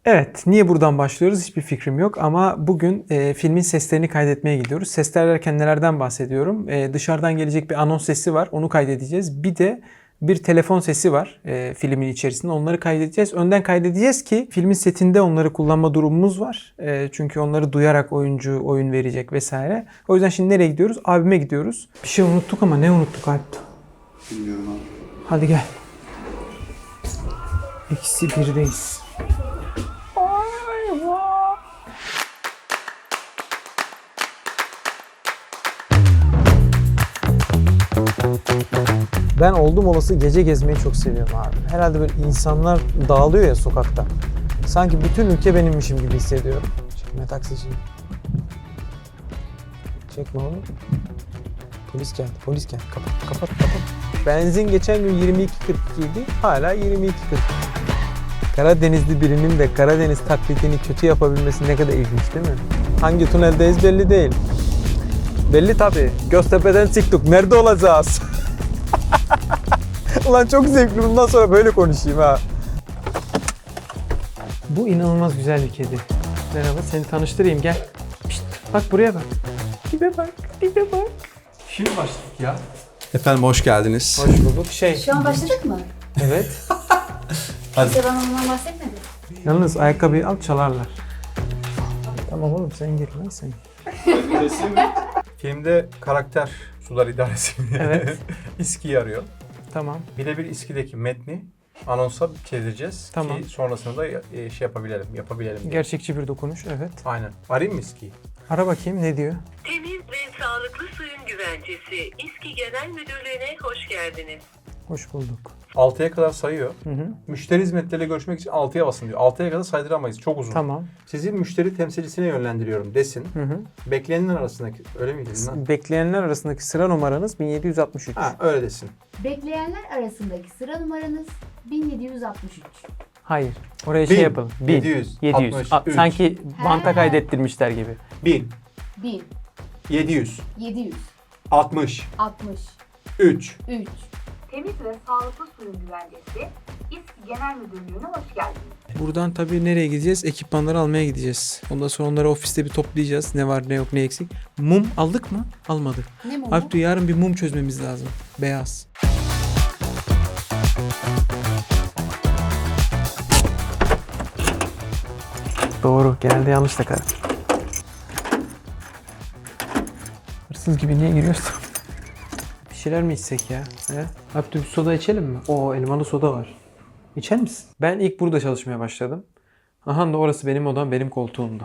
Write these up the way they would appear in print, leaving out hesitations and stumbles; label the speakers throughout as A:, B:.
A: Evet, niye buradan başlıyoruz hiçbir fikrim yok ama bugün filmin seslerini kaydetmeye gidiyoruz. Sesler derken nelerden bahsediyorum? Dışarıdan gelecek bir anons sesi var, onu kaydedeceğiz. Bir de bir telefon sesi var filmin içerisinde, onları kaydedeceğiz. Önden kaydedeceğiz ki filmin setinde onları kullanma durumumuz var. Çünkü onları duyarak oyuncu oyun verecek vesaire. O yüzden şimdi nereye gidiyoruz? Abime gidiyoruz. Bir şey unuttuk ama ne unuttuk Alp?
B: Bilmiyorum abi.
A: Hadi gel. Eksi birdeyiz. Ben oldum olası gece gezmeyi çok seviyorum abi. Herhalde böyle insanlar dağılıyor ya sokakta. Sanki bütün ülke benimmişim gibi hissediyorum. Çekme taksiciyi. Çekme oğlum. Polis geldi, polis geldi. Kapat. Benzin geçen gün 22.42 idi. Hala 22.40. Karadenizli birinin de Karadeniz taklidini kötü yapabilmesi ne kadar ilginç değil mi? Hangi tüneldeyiz belli değil. Belli tabii. Göztepe'den çıktık. Nerede olacağız? Ulan çok zevkli. Bundan sonra böyle konuşayım ha. Bu inanılmaz güzel bir kedi. Merhaba, seni tanıştırayım gel. Pişt, bak buraya bak. Dibe bak. Şimdi başladık ya.
B: Efendim hoş geldiniz.
A: Hoş bulduk.
C: Şu an başladık mı?
A: Evet.
B: Hadi.
C: Kimse bana ondan bahsetmedi.
A: Yalnız ayakkabıyı al çalarlar. Tamam oğlum sen gir lan sen.
D: Filmde karakter sular idaresi
A: Evet.
D: İSKİ'yi arıyor.
A: Tamam.
D: Birebir İSKİ'deki metni anonsa çevireceğiz
A: Tamam.
D: ki sonrasında yapabilelim diye.
A: Gerçekçi bir dokunuş evet.
D: Aynen. Arayayım mı İSKİ'yi?
A: Ara bakayım ne diyor?
E: Temiz ve sağlıklı suyun güvencesi İSKİ Genel Müdürlüğü'ne hoş geldiniz.
A: Hoş bulduk.
D: 6'ya kadar sayıyor.
A: Hı.
D: Müşteri hizmetleriyle görüşmek için 6'ya basın diyor. 6'ya kadar saydıramayız. Çok uzun.
A: Tamam.
D: Sizi müşteri temsilcisine yönlendiriyorum desin.
A: Hı.
D: Bekleyenler arasındaki öyle miydi lan?
A: Bekleyenler arasındaki sıra numaranız 1763.
D: Ha öyle desin.
C: Bekleyenler arasındaki sıra numaranız 1763.
A: Hayır. Oraya şey
D: 1000,
A: yapalım.
D: 700, 63.
A: Sanki banta
C: He.
A: kaydettirmişler gibi.
D: 1000,
C: 1,
D: 700,
C: 700,
D: 60,
C: 60,
D: 3.
C: 3.
F: Temiz ve sağlıklı suyun güvencesi İSKİ Genel Müdürlüğü'ne hoş geldiniz.
A: Buradan tabii nereye gideceğiz? Ekipmanları almaya gideceğiz. Ondan sonra onları ofiste bir toplayacağız. Ne var ne yok ne eksik. Mum aldık mı? Almadık.
C: Ne mumu?
A: Alp diyor yarın bir mum çözmemiz lazım. Beyaz. Doğru. Genelde yanlış takarım. Hırsız gibi niye giriyorsun? Bir şeyler mi içsek ya? He? Alp bir soda içelim mi? Oo elmalı soda var. İçer misin? Ben ilk burada çalışmaya başladım. Aha da orası benim odam, benim koltuğumda.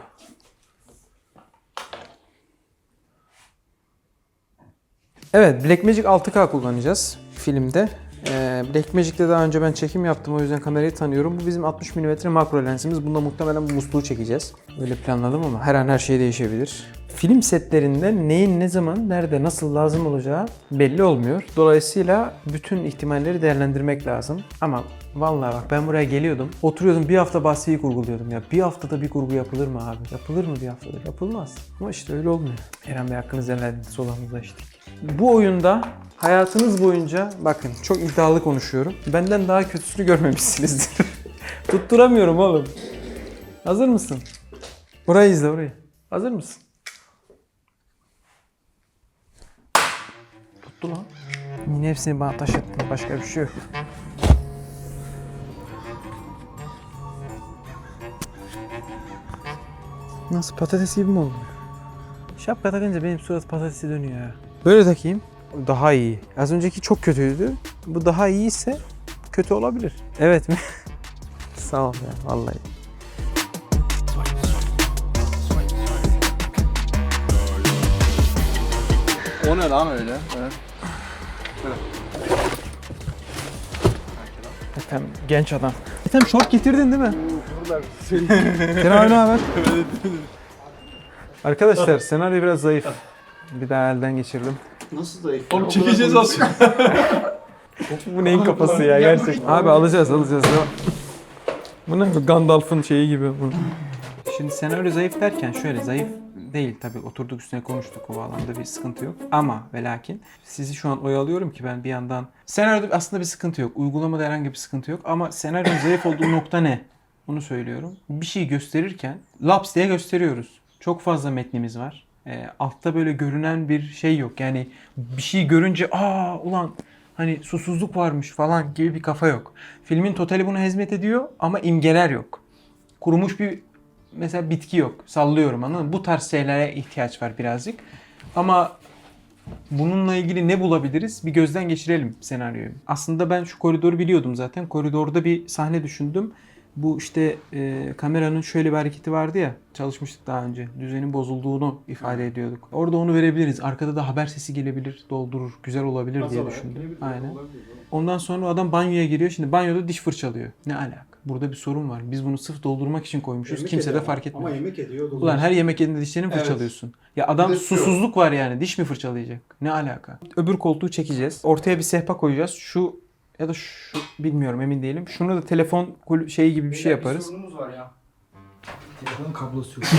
A: Evet, Blackmagic 6K kullanacağız filmde. Blackmagic'te daha önce ben çekim yaptım, o yüzden kamerayı tanıyorum. Bu bizim 60 mm makro lensimiz. Bunda muhtemelen bu musluğu çekeceğiz. Öyle planladım ama her an her şey değişebilir. Film setlerinde neyin ne zaman, nerede, nasıl lazım olacağı belli olmuyor. Dolayısıyla bütün ihtimalleri değerlendirmek lazım. Ama vallahi bak ben buraya geliyordum. Oturuyordum bir hafta bahsiyi kurguluyordum ya. Bir haftada bir kurgu yapılır mı abi? Yapılır mı bir haftada? Yapılmaz. Ama işte öyle olmuyor. Eren Bey hakkınızı helal edin. Solamızda içtik. Bu oyunda hayatınız boyunca bakın çok iddialı konuşuyorum. Benden daha kötüsünü görmemişsinizdir. Tutturamıyorum oğlum. Hazır mısın? Burayı izle orayı. Hazır mısın? Tuttu lan. Yine hepsini bana taşıttın. Başka bir şey yok. Nasıl patates gibi mi oldu? Şapka takınca benim surat patatesi dönüyor ya. Böyle takayım. Daha iyi. Az önceki çok kötüydü. Bu daha iyi ise kötü olabilir. Evet mi? Sağ ol ya vallahi.
B: O ne lan öyle? Evet.
A: Efendim genç adam. Efendim şort getirdin değil mi? Kenan abi ne haber? Arkadaşlar senaryo biraz zayıf. Bir daha elden geçirdim.
B: Nasıl zayıf?
D: Oğlum çekeceğiz aslında.
A: Bu neyin kafası ya gerçekten. Abi alacağız. Bu ne? Gandalf'ın şeyi gibi. Şimdi senaryo zayıf derken şöyle zayıf değil tabii oturduk üstüne konuştuk o alanda bir sıkıntı yok. Ama ve lakin sizi şu an oyalıyorum ki ben bir yandan senaryoda aslında bir sıkıntı yok. Uygulamada herhangi bir sıkıntı yok ama senaryonun zayıf olduğu nokta ne? Onu söylüyorum. Bir şey gösterirken laps diye gösteriyoruz. Çok fazla metnimiz var. Altta böyle görünen bir şey yok. Yani bir şey görünce ulan hani susuzluk varmış falan gibi bir kafa yok. Filmin totali bunu hizmet ediyor ama imgeler yok. Kurumuş bir mesela bitki yok. Sallıyorum, anladın mı? Bu tarz şeylere ihtiyaç var birazcık. Ama bununla ilgili ne bulabiliriz? Bir gözden geçirelim senaryoyu. Aslında ben şu koridoru biliyordum zaten. Koridorda bir sahne düşündüm. Bu işte kameranın şöyle bir hareketi vardı ya. Çalışmıştık daha önce. Düzenin bozulduğunu ifade ediyorduk. Orada onu verebiliriz. Arkada da haber sesi gelebilir, doldurur. Güzel olabilir diye düşündüm. Aynen. Ondan sonra o adam banyoya giriyor. Şimdi banyoda diş fırçalıyor. Ne alaka? Burada bir sorun var. Biz bunu sırf doldurmak için koymuşuz.
G: Yemek
A: Kimse de
G: ediyor
A: fark etmiyor.
G: Ama yemek ediyor.
A: Ulan her yemek yediğinde dişlerini
B: Evet.
A: fırçalıyorsun. Ya adam
B: Bir de şu.
A: susuzluk var yani. Diş mi fırçalayacak? Ne alaka? Öbür koltuğu çekeceğiz. Ortaya bir sehpa koyacağız. Şu ya da şu bilmiyorum, emin değilim. Şunu da telefon şeyi gibi bir şey yaparız.
G: sorunumuz var ya. Telefonun kablosu yok.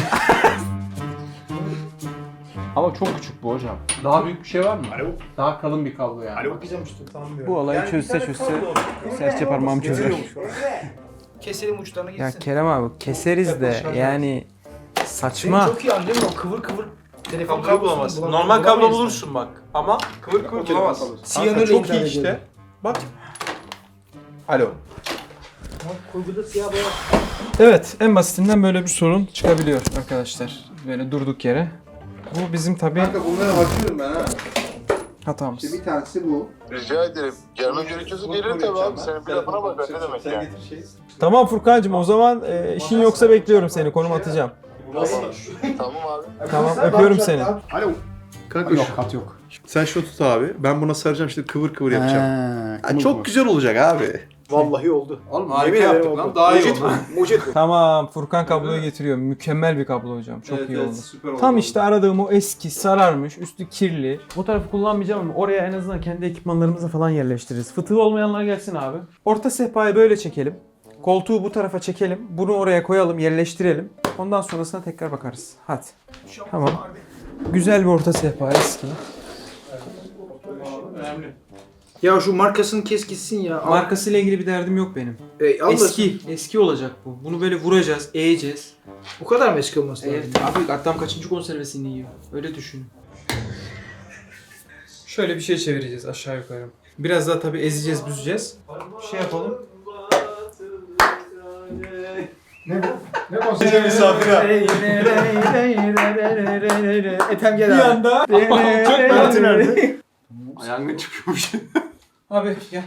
D: Ama çok küçük bu hocam. Daha büyük bir şey var mı?
G: Alo.
D: Daha kalın bir kablo yani.
G: Bakacağım işte sanmıyorum.
A: Bu olayı çözse serçe parmağım çözer.
G: Keselim uçlarına gitsin.
A: Ya Kerem abi keseriz de yani
G: Senin
A: saçma.
G: çok iyi anladın mı? O kıvır kıvır telefon
D: Kablo bulamazsın. Normal kablo bulursun bak. Ama kıvır kıvır bulamazsın.
G: Siyanürle
D: Çok iyi
G: intihar
D: işte.
G: ediyorum.
D: Bak. Alo.
G: Kurguda siyah boya.
A: Evet, en basitinden böyle bir sorun çıkabiliyor arkadaşlar. Böyle durduk yere. Bu bizim tabii
B: Kanka bunlara bakıyorum ben ha.
A: hatamız.
B: İşte bir tanesi bu.
H: Rica ederim. Gelmem gerekiyorsa gelirim tabii abi. Senin bir lafına bak. Ne demek
B: Sen
H: yani?
B: getir şey.
A: Tamam Furkancığım, o zaman işin yoksa bekliyorum seni. Konum atacağım.
H: Tamam abi.
A: Tamam, öpüyorum seni.
B: Alo. Kanka
G: Yok kat yok.
B: sen şunu tut abi. Ben buna saracağım işte kıvır kıvır yapacağım. Ha, çok güzel olacak abi.
G: Vallahi oldu.
B: Oğlum
G: Yemin ederim oldu. Mucit bu. Mucit bu.
A: Tamam, Furkan kabloyu getiriyor. Mükemmel bir kablo hocam. Çok iyi oldu.
B: Süper oldu.
A: Tam işte aradığım o eski, sararmış, üstü kirli. Bu tarafı kullanmayacağım ama oraya en azından kendi ekipmanlarımızı falan yerleştiririz. Fıtığı olmayanlar gelsin abi. Orta sehpayı böyle çekelim. Koltuğu bu tarafa çekelim. Bunu oraya koyalım, yerleştirelim. Ondan sonrasına tekrar bakarız. Hadi. Tamam. Güzel bir orta sehpa, eski.
G: Ya şu markasını kes gitsin ya.
A: Markasıyla ilgili bir derdim yok benim. Eski olacak bu. Bunu böyle vuracağız, eğeceğiz.
G: Bu kadar mı eski olması lazım?
A: Evet abi, adam kaçıncı konservesini yiyor? Öyle düşün. Şöyle bir şey çevireceğiz aşağı yukarı. Biraz daha tabii ezeceğiz, büzeceğiz. Şey yapalım.
G: Ne konser misafir ha? Ethem gel abi.
A: Bir anda.
G: Çok nerede?
B: Yangın çıkıyormuş.
A: Abi gel.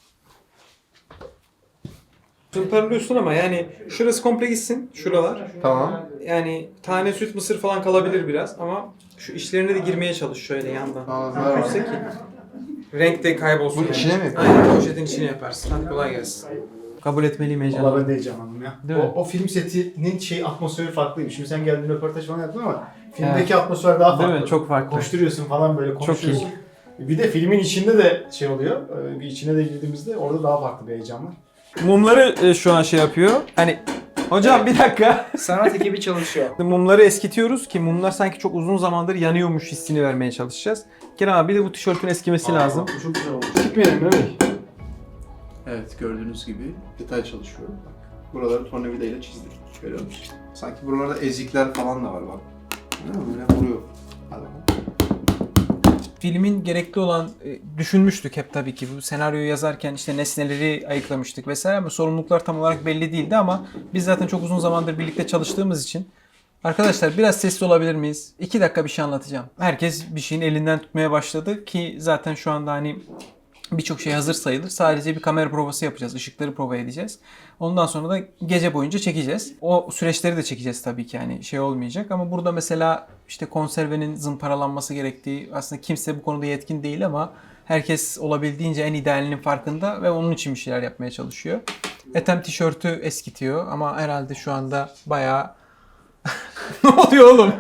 A: Tımparlıyorsun ama yani şurası komple gitsin, şuralar.
B: Tamam.
A: Yani tane süt, mısır falan kalabilir biraz ama şu içlerine de girmeye çalış şöyle yandan.
B: Ağzına bak.
A: Ki renk de kaybolsun.
B: Bunun
A: yani.
B: içine mi?
A: Aynen, poşetin içine yaparsın. Hadi kolay gelsin. Kabul etmeliyim
I: Valla
A: heyecanla.
I: ben de heyecanlandım ya.
A: Değil mi?
I: O film setinin atmosferi farklıymış. Şimdi sen geldin röportaj falan yaptın ama filmdeki atmosfer daha farklı.
A: Değil mi? Çok farklı.
I: Koşturuyorsun falan böyle konuşuyorsun.
A: iyi.
I: Bir de filmin içinde de şey oluyor. Bir içine de girdiğimizde orada daha farklı bir heyecan var.
A: Mumları şu an şey yapıyor. Hani hocam bir dakika.
G: Sanat ekibi çalışıyor.
A: Mumları eskitiyoruz ki mumlar sanki çok uzun zamandır yanıyormuş hissini vermeye çalışacağız. Kerem abi bir de bu tişörtün eskimesi lazım.
I: Bu çok güzel olmuş.
A: Gitmeyelim değil mi?
B: Evet gördüğünüz gibi detay çalışıyorum. Bak. Buraları tornavida ile çizdik. Görüyor musun? Sanki buralarda ezikler falan da var bak. Değil mi? Böyle vuruyor. Hadi bakalım.
A: Filmin gerekli olan düşünmüştük hep tabii ki. Bu senaryoyu yazarken işte nesneleri ayıklamıştık vesaire ama sorumluluklar tam olarak belli değildi ama biz zaten çok uzun zamandır birlikte çalıştığımız için arkadaşlar biraz sesli olabilir miyiz? 2 dakika bir şey anlatacağım. Herkes bir şeyin elinden tutmaya başladı ki zaten şu anda hani birçok şey hazır sayılır. Sadece bir kamera provası yapacağız. Işıkları prova edeceğiz. Ondan sonra da gece boyunca çekeceğiz. O süreçleri de çekeceğiz tabii ki. Yani şey olmayacak ama burada mesela işte konservenin zımparalanması gerektiği, aslında kimse bu konuda yetkin değil ama herkes olabildiğince en idealinin farkında ve onun için bir şeyler yapmaya çalışıyor. Ethem tişörtü eskitiyor ama herhalde şu anda bayağı ne oluyor oğlum?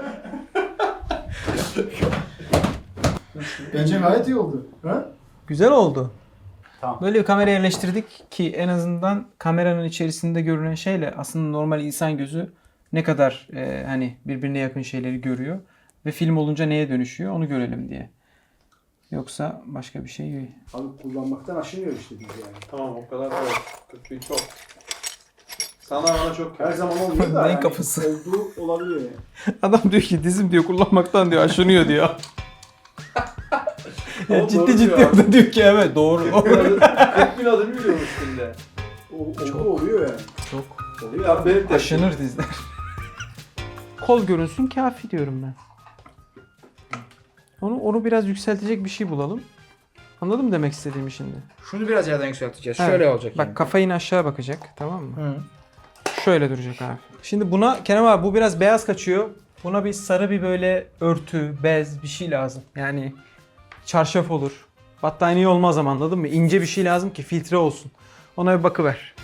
I: Bence gayet iyi oldu. Ha?
A: Güzel oldu.
I: Tamam.
A: Böyle bir kamera yerleştirdik ki en azından kameranın içerisinde görünen şeyle aslında normal insan gözü ne kadar hani birbirine yakın şeyleri görüyor ve film olunca neye dönüşüyor onu görelim diye. Yoksa başka bir şey değil.
I: Abi kullanmaktan aşınıyor işte biz yani.
D: Tamam o kadar evet. Kötü çok.
B: Sana bana çok
I: Her zaman olmuyor da
A: Neyin
I: yani
A: kafası?
I: olduğu olabiliyor yani.
A: Adam diyor ki dizim diyor kullanmaktan diyor aşınıyor diyor. Ya
B: Oğlum
A: ciddi
B: doğru
A: ciddi
B: diyor
A: orada diyor ki evet doğru.
B: 40.000 adım yürüyorum üstünde.
I: Çok oluyor yani.
A: Çok.
B: Oluyor abi benim de.
A: Aşınır dizler. Kol görünsün kafi diyorum ben. Onu biraz yükseltecek bir şey bulalım. Anladın mı demek istediğimi şimdi?
G: Şunu biraz yerden yükselteceğiz.
A: Evet.
G: Şöyle olacak
A: Bak
G: yani.
A: kafa yine aşağı bakacak tamam mı?
G: Hı.
A: Şöyle duracak abi. Şimdi buna Kerem abi bu biraz beyaz kaçıyor. Buna bir sarı bir böyle örtü, bez bir şey lazım. Yani çarşaf olur. Battaniye olmaz ama anladın mı? İnce bir şey lazım ki filtre olsun. Ona bir bakıver.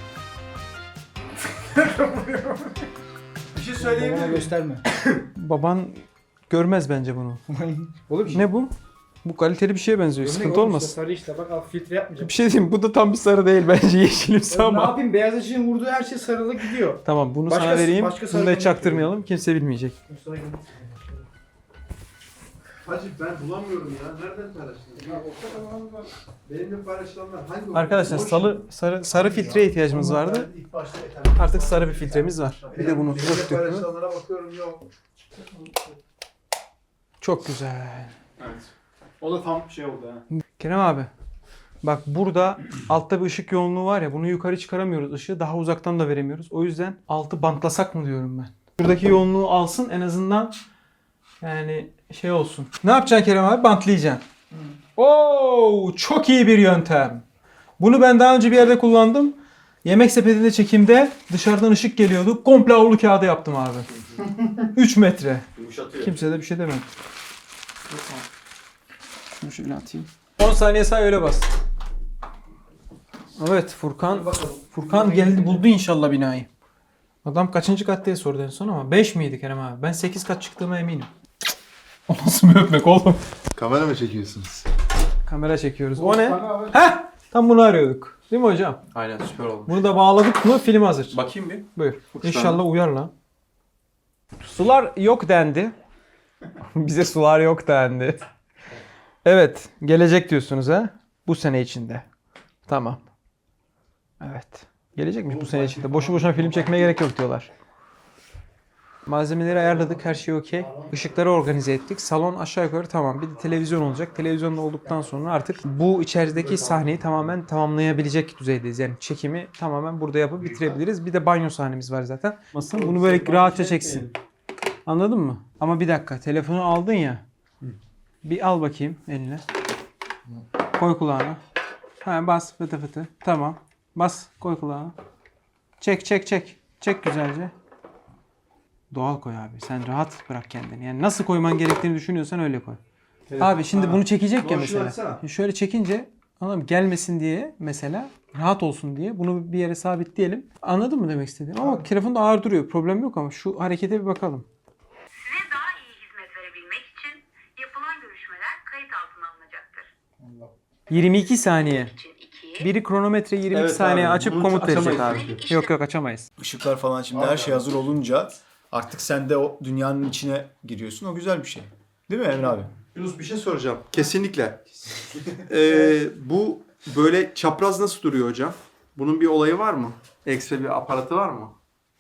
B: Bir şey
G: Bana
B: söyleyebilir miyim?
G: gösterme.
A: Baban görmez bence bunu.
G: Oğlum işte.
A: Ne bu? Bu kaliteli bir şeye benziyor.
G: Gömlek
A: Sıkıntı
G: oğlum
A: olmaz.
G: işte, sarı işte bak al filtre yapmayacağım.
A: Bir şey diyeyim mi? Bu da tam bir sarı değil bence yeşilimsi
G: Ne
A: ama.
G: yapayım beyaz ışığın vurduğu her şey sarılı gidiyor.
A: Tamam bunu
G: Başka-
A: sana vereyim.
G: başka
A: Bunu da
G: sarı
A: hiç çaktırmayalım. Kimse bilmeyecek.
B: Hacı ben bulamıyorum ya. Nereden paylaştın? Benimle paylaşılanlar hangi?
A: Arkadaşlar sarı filtreye ihtiyacımız vardı.
I: İlk başta Ethem.
A: Artık sarı bir filtremiz var. Bir de bunu
B: Benimle
A: döktük mü?
B: paylaşılanlara bakıyorum yok.
A: Çok güzel.
I: Evet. O da tam şey oldu ha.
A: Kerem abi. Bak burada altta bir ışık yoğunluğu var ya bunu yukarı çıkaramıyoruz ışığı daha uzaktan da veremiyoruz. O yüzden altı bantlasak mı diyorum ben. Buradaki yoğunluğu alsın en azından yani şey olsun. Ne yapacaksın Kerem abi? Bantlayacaksın. Oo, çok iyi bir yöntem. Bunu ben daha önce bir yerde kullandım. Yemek sepetinde çekimde dışarıdan ışık geliyordu. Komple havlu kağıdı yaptım abi. 3 metre.
I: Yumuşatıyor.
A: Kimse de bir şey demedi. Şunu şöyle atayım. 10 saniye say öyle bas. Evet Furkan geldi buldu inşallah binayı. Adam kaçıncı kat diye sordu en son ama 5 miydi Kerem abi? Ben 8 kat çıktığıma eminim. O nasıl bir öpmek oğlum?
H: Kamera mı çekiyorsunuz?
A: Kamera çekiyoruz. O ne? Heh! Tam bunu arıyorduk. Değil mi hocam?
B: Aynen süper oldu.
A: Bunu da bağladık mı film hazır.
B: Bakayım bir.
A: Buyur. İnşallah uyar lan. Sular yok dendi. Bize sular yok dendi. Evet. Gelecek diyorsunuz ha? Bu sene içinde. Tamam. Evet. Gelecekmiş bu sene içinde. Boşu boşuna film çekmeye gerek yok diyorlar. Malzemeleri ayarladık. Her şey okey. Işıkları organize ettik. Salon aşağı yukarı tamam. Bir de televizyon olacak. Televizyonda olduktan sonra artık bu içerideki sahneyi tamamen tamamlayabilecek düzeydeyiz. Yani çekimi tamamen burada yapıp bitirebiliriz. Bir de banyo sahnemiz var zaten. Bunu böyle rahatça çeksin. Anladın mı? Ama bir dakika. Telefonu aldın ya. Bir al bakayım eline. Koy kulağına. Ha, bas fıtı fıtı. Tamam. Bas koy kulağına. Çek. Çek güzelce. Doğal koy abi. Sen rahat bırak kendini. Yani nasıl koyman gerektiğini düşünüyorsan öyle koy. Abi şimdi bunu çekecek ya mesela. Şöyle çekince anladın mı? Gelmesin diye mesela rahat olsun diye bunu bir yere sabitleyelim. Anladın mı demek istediğim? Ama telefon da ağır duruyor. Problem yok ama şu harekete bir bakalım.
F: Size daha iyi hizmet verebilmek için yapılan görüşmeler kayıt altına alınacaktır.
A: 22 saniye.
F: İçin 2,
A: Biri kronometre 22
B: Evet
A: saniye
B: abi,
A: açıp
B: bunu
A: komut verecek
B: açamayız
A: abi.
B: çünkü.
A: Yok açamayız.
I: Işıklar falan şimdi her şey hazır olunca artık sen de o dünyanın içine giriyorsun. O güzel bir şey. Değil mi Emre abi?
B: Yunus bir şey soracağım. Kesinlikle. Bu böyle çapraz nasıl duruyor hocam? Bunun bir olayı var mı? Ekstra bir aparatı var mı?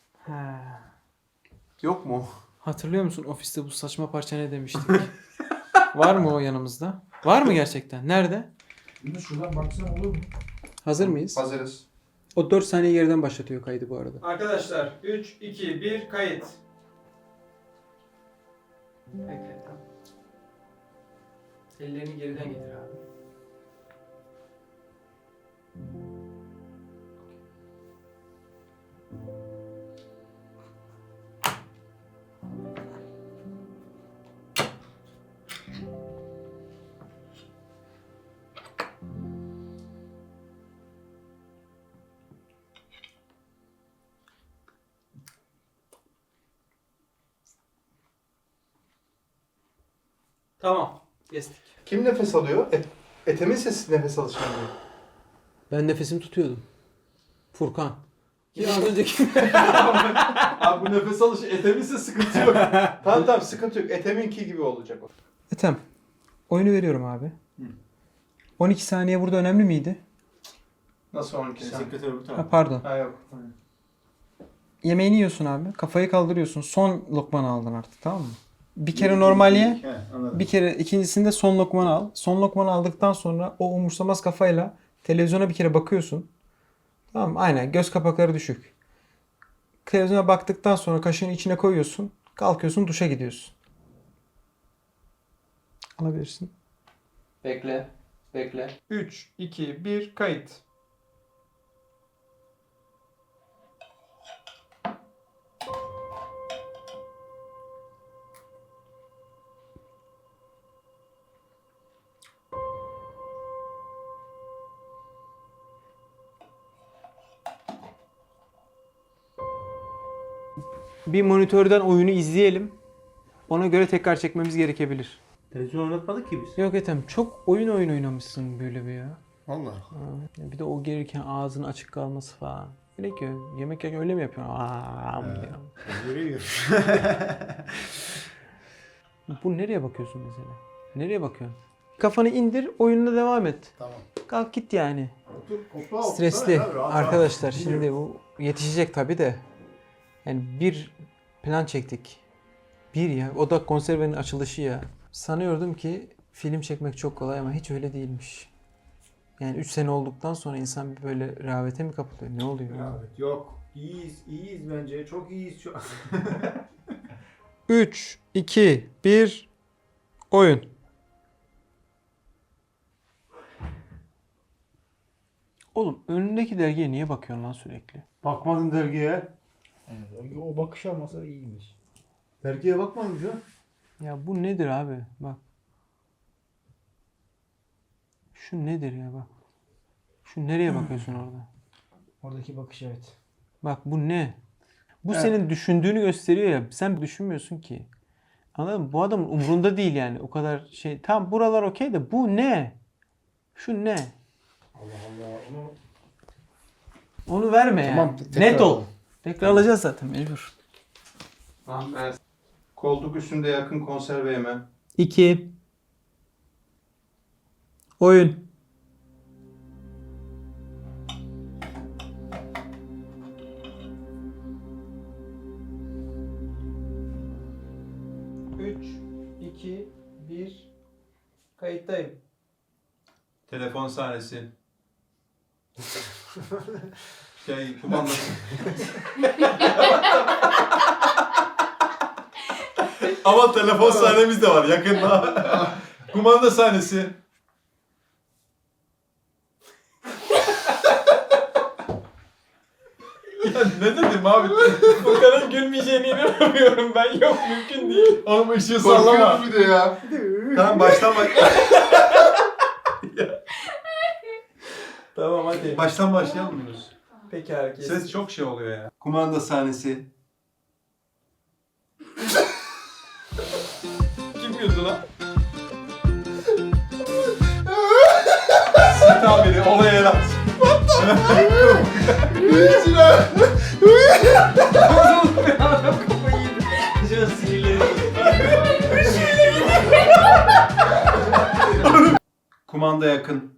B: Yok mu?
A: Hatırlıyor musun ofiste bu saçma parça ne demiştik? Var mı o yanımızda? Var mı gerçekten? Nerede?
G: Şuradan baksan olur mu?
A: Hazır mıyız?
B: Hazırız.
A: O 4 saniye geriden başlatıyor kaydı bu arada. Arkadaşlar 3, 2, 1 kayıt. Bekle tamam. Ellerini geriden getir abi. Tamam. Kestik.
B: Kim nefes alıyor? Ethem'in sesi nefes alışını diyor.
A: Ben nefesimi tutuyordum. Furkan. Ya az önceki...
B: Abi bu nefes alışı Ethem'in ise sıkıntı yok. tamam sıkıntı yok. Ethem'inki gibi olacak o.
A: Ethem. Oyunu veriyorum abi. 12 saniye burada önemli miydi?
B: Nasıl 12 saniye?
I: Sekreter öbür
A: Ha,
I: taraf.
A: pardon.
B: Ha yok.
A: Yemeğini yiyorsun abi. Kafayı kaldırıyorsun. Son lokmanı aldın artık, tamam mı? Bir kere normal ye.
I: He, anladım.
A: Bir kere ikincisinde son lokmanı al. Son lokmanı aldıktan sonra o umursamaz kafayla televizyona bir kere bakıyorsun. Tamam mı? Aynen, göz kapakları düşük. Televizyona baktıktan sonra kaşığını içine koyuyorsun. Kalkıyorsun, duşa gidiyorsun. Alabilirsin. Bekle. Bekle. 3, 2, 1, kayıt. Bir monitörden oyunu izleyelim. Ona göre tekrar çekmemiz gerekebilir.
B: Televizyon oynatmadık ki biz.
A: Yok Ethem, çok oyun oynamışsın böyle bir ya.
B: Valla.
A: Bir de o gelirken ağzın açık kalması falan. Gerek yok. Yemek yerken öyle mi yapıyorsun? Bu nereye bakıyorsun mesela? Nereye bakıyorsun? Kafanı indir, oyununa devam et.
I: Tamam.
A: Kalk git yani.
I: Otur,
A: Stresli. Arkadaşlar şimdi bu yetişecek tabii de. Yani bir plan çektik. Bir ya. O da konservenin açılışı ya. Sanıyordum ki film çekmek çok kolay ama hiç öyle değilmiş. Yani 3 sene olduktan sonra insan bir böyle rehavete mi kapılıyor? Ne oluyor?
I: Evet, yok. İyiyiz bence. Çok iyiyiz şu an.
A: 3, 2, 1, oyun. Oğlum önündeki dergiye niye bakıyorsun lan sürekli?
B: Bakmadın dergiye.
G: O bakış almasa iyiymiş.
B: Dergiye bakmadın ya.
A: Ya bu nedir abi? Bak. Şu nedir ya bak. Şu nereye bakıyorsun orada?
G: Oradaki bakış evet.
A: Bak bu ne? Bu senin düşündüğünü gösteriyor ya. Sen düşünmüyorsun ki. Anladın mı? Bu adamın umrunda değil yani. O kadar şey. Tamam buralar okey de bu ne? Şu ne?
G: Allah Allah onu
A: Onu verme
G: Tamam,
A: ya.
G: tekrar
A: Net ol.
G: alalım.
A: Tekrar alacağız zaten mecbur.
B: Tamam ben. Koltuk üstünde yakın konserve yeme.
A: 2 oyun. Üç, iki, bir, kayıttayım.
B: Telefon sahnesi. Kumandası.
I: Ama telefon sahnemiz de var yakında.
B: Kumanda sahnesi.
I: Ya ne dedim abi?
A: Bu kadar gülmeyeceğine inanamıyorum ben. Yok mümkün değil.
I: Oğlum ışığı sallama.
B: Korkuyoruz bir de ya.
I: Tamam baştan
A: Tamam hadi.
I: baştan başlayalım mıyız?
A: Peki herkes.
B: Ses çok şey oluyor ya. Kumanda sahnesi.
A: Kim güldü lan?
I: Sit abini olaya el at.
A: Adam kafayı yedi. Şu sinirleri.
B: Kumanda yakın.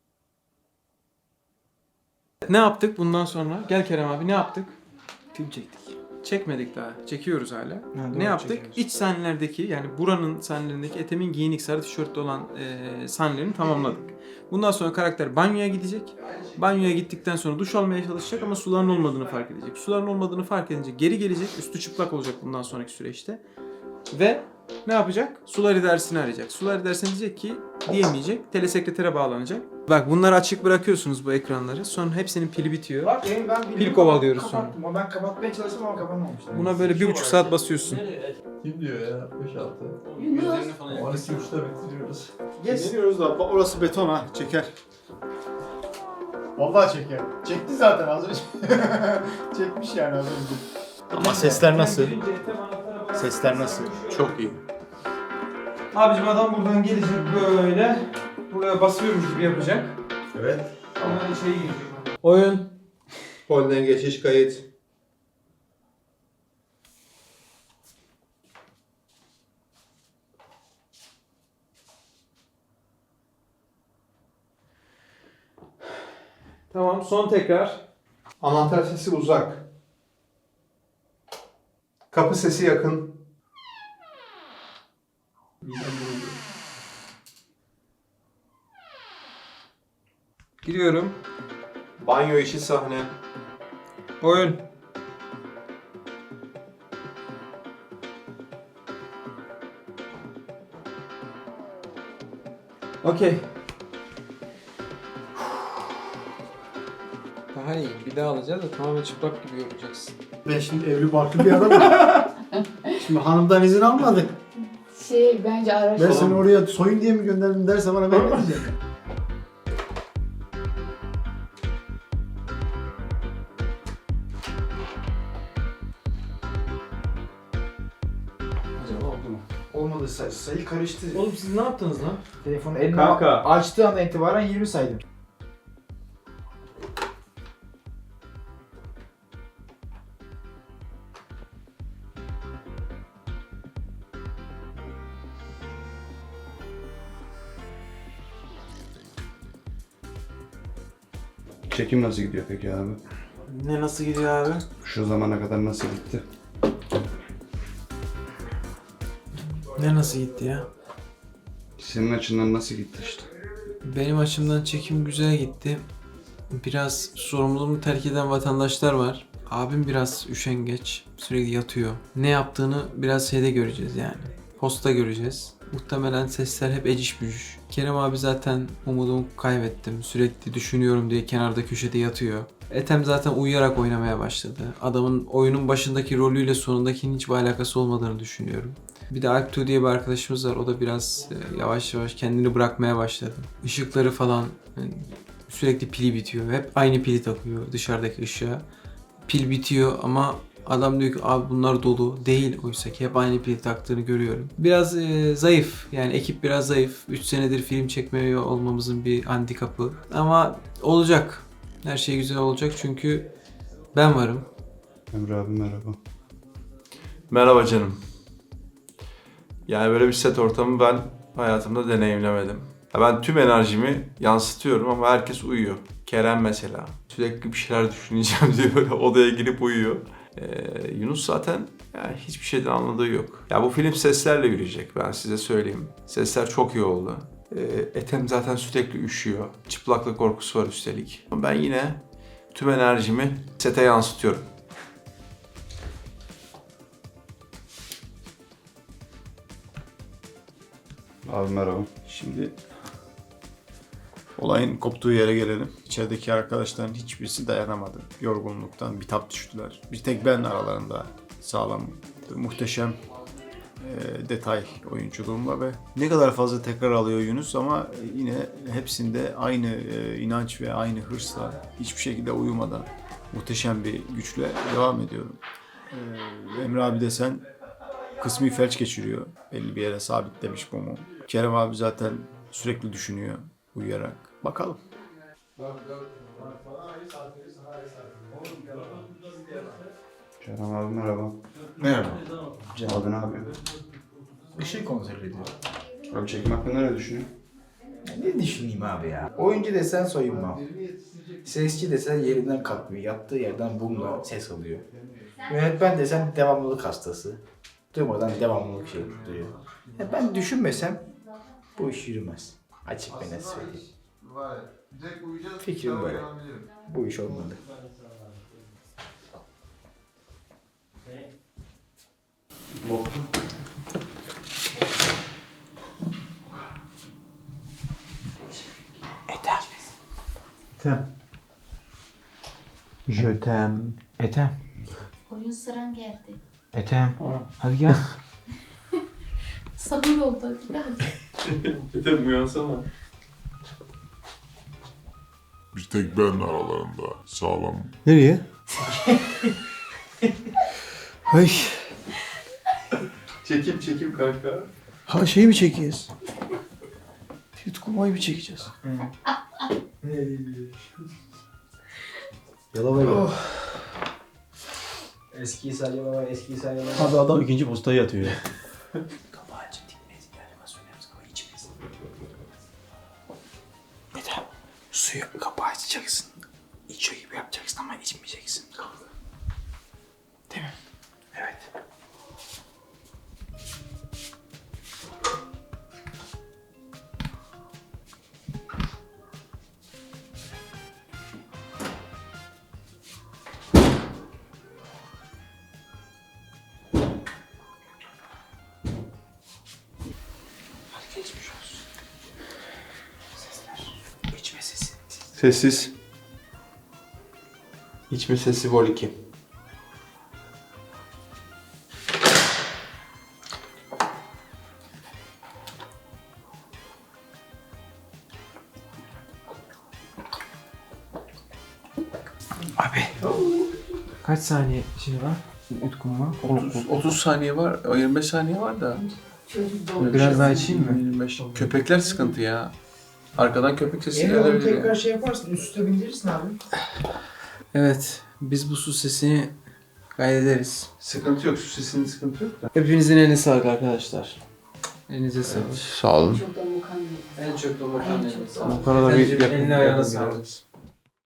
A: Ne yaptık bundan sonra? Gel Kerem abi ne yaptık? Film çektik. Çekmedik daha. Çekiyoruz hala. Ne yaptık? İç sahnelerdeki yani buranın sahnelerindeki Ethem'in giyinik sarı tişörtlü olan sahnelerini tamamladık. Bundan sonra karakter banyoya gidecek. Banyoya gittikten sonra duş almaya çalışacak ama suların olmadığını fark edecek. Suların olmadığını fark edince geri gelecek. Üstü çıplak olacak bundan sonraki süreçte. Ve ne yapacak? Sular idaresini arayacak. Sular idaresine diyecek ki diyemeyecek. Telesekretere bağlanacak. Bak bunları açık bırakıyorsunuz bu ekranları. Sonra hepsinin pili bitiyor.
G: Bak ben
A: Pil kovalıyoruz sonra.
G: kapattım. Ama ben kapatmaya çalıştım ama kapanmamıştı.
A: Buna böyle 1,5 saat basıyorsun.
B: Kim diyor ya? 5-6.
C: Yunus.
B: 12-3'te bitiriyoruz.
I: Geçmiyoruz da orası beton ha çeker. Vallahi çeker. Çekti zaten az önce. Çekmiş yani az önce. Ama sesler nasıl? Sesler nasıl?
B: Çok iyi.
A: Abicim adam buradan gelecek böyle. Buraya basıyormuş gibi yapacak.
B: Evet.
A: Ondan içeri girecek. Oyun.
B: Polden geçiş kayıt.
A: Tamam son tekrar.
B: Anahtar sesi uzak. Kapı sesi yakın.
A: Giriyorum.
B: Banyo işi sahne.
A: Oyun. Okey. Daha iyi. Bir daha alacağız da tamamen çıplak gibi yorulacaksın.
G: Ben şimdi evli barklı bir adamım. Şimdi hanımdan izin almadık.
C: Bence
G: Ben
C: araştır.
G: seni oraya soyun diye mi gönderdim derse bana ben ne diyeceğim?
A: Acaba oldu mu?
G: Olmadı sayı karıştı.
A: Oğlum siz ne yaptınız lan?
G: Telefonu eline
B: Kanka.
G: açtığı anda itibaren 20 saydım.
J: Çekim nasıl gidiyor peki abi?
A: Ne nasıl gidiyor abi?
J: Şu zamana kadar nasıl gitti?
A: Ne nasıl gitti ya?
J: Senin açından nasıl gitti işte?
A: Benim açımdan çekim güzel gitti. Biraz sorumluluğunu terk eden vatandaşlar var. Abim biraz üşengeç, sürekli yatıyor. Ne yaptığını biraz şeyde göreceğiz yani. Posta göreceğiz. Muhtemelen sesler hep eciş bücüş. Kerem abi zaten umudumu kaybettim. Sürekli düşünüyorum diye kenarda köşede yatıyor. Ethem zaten uyuyarak oynamaya başladı. Adamın oyunun başındaki rolüyle sonundakinin hiçbir alakası olmadığını düşünüyorum. Bir de Alptu diye bir arkadaşımız var. O da biraz yavaş yavaş kendini bırakmaya başladı. Işıkları falan yani sürekli pili bitiyor. Hep aynı pili takıyor dışarıdaki ışığa. Pil bitiyor ama adam diyor ki abi bunlar dolu. Değil oysa ki hep aynı pil taktığını görüyorum. Biraz zayıf. Yani ekip biraz zayıf. 3 senedir film çekmiyor olmamızın bir handikapı. Ama olacak. Her şey güzel olacak çünkü ben varım.
J: Emre abi merhaba.
D: Merhaba canım. Yani böyle bir set ortamı ben hayatımda deneyimlemedim. Ya ben tüm enerjimi yansıtıyorum ama herkes uyuyor. Kerem mesela. Sürekli bir şeyler düşüneceğim diye böyle odaya girip uyuyor. Yunus zaten yani hiçbir şeyden anladığı yok. Ya bu film seslerle yürüyecek, ben size söyleyeyim. Sesler çok iyi oldu. Ethem zaten sürekli üşüyor. Çıplaklık korkusu var üstelik. Ama ben yine tüm enerjimi sete yansıtıyorum.
J: Abi merhaba.
I: Şimdi olayın koptuğu yere gelelim. İçerideki arkadaşların hiçbirisi dayanamadı. Yorgunluktan bitap düştüler. Bir tek ben aralarında sağlam, muhteşem detay oyunculuğumla ve ne kadar fazla tekrar alıyor Yunus ama yine hepsinde aynı inanç ve aynı hırsla hiçbir şekilde uyumadan muhteşem bir güçle devam ediyorum. Emre abi desen kısmi felç geçiriyor. Belli bir yere sabitlemiş mumu. Kerem abi zaten sürekli düşünüyor uyuyarak. Bakalım.
J: Kerem abi merhaba.
I: Merhaba.
J: Abi ne yapıyor?
G: Işığı kontrol ediyor.
J: Abi çekim hakkında ne düşünüyorsun?
G: Ne düşüneyim abi ya? Oyuncu desen soyunma. Sesçi desen yerinden kalkmıyor. Yattığı yerden bumla ses alıyor. Yönetmen desen devamlılık hastası. Durmadan devamlılık şey duruyor. Ya ben düşünmesem bu iş yürümez. Açık ve net söyleyeyim. Fikrim böyle. Bu iş olmadı.
A: Je t'aime. Ethem.
C: Oyun sıran geldi.
A: Ethem. Hadi gel.
C: Sabır oldu. Hadi.
D: Ethem uyansana.
H: Bir tek ben aralarında sağlam.
A: Nereye? Ay.
B: Çekim kanka.
G: Ha şeyi mi çekiyoruz? Yutkunmayı mı çekeceğiz? Yalova gel. Eski İsa Yalova, eski İsa Yalova.
I: Abi adam ikinci postayı atıyor.
G: Kapağı açıp dinleyiz. Animasyonlarımız kafayı içmeyiz. Meta, suyu kapağı açacaksın. İçiyor gibi yapacaksın ama içmeyeceksin. Değil mi? Evet.
D: Sessiz. İçme sesi vol 2.
A: Kaç saniye şey var? Utkum var.
B: 30 saniye var, 25 saniye var da.
A: Biraz daha içeyim mi?
B: 25. Köpekler sıkıntı ya. Arkadan köpek sesi
G: Eğer onu
B: gelebilir.
G: tekrar şey yaparsın, üst üste bindirirsin abi.
A: Evet. Biz bu su sesini kaydederiz.
B: Sıkıntı yok, su sesinin sıkıntı yok da.
A: Hepinizin eline sağlık arkadaşlar. Elinize sağlık.
B: Sağ olun.
C: Çok da mükemmel.
A: En çok da makarna.
B: Bu kadar bir
A: Eline ayağına sağlık.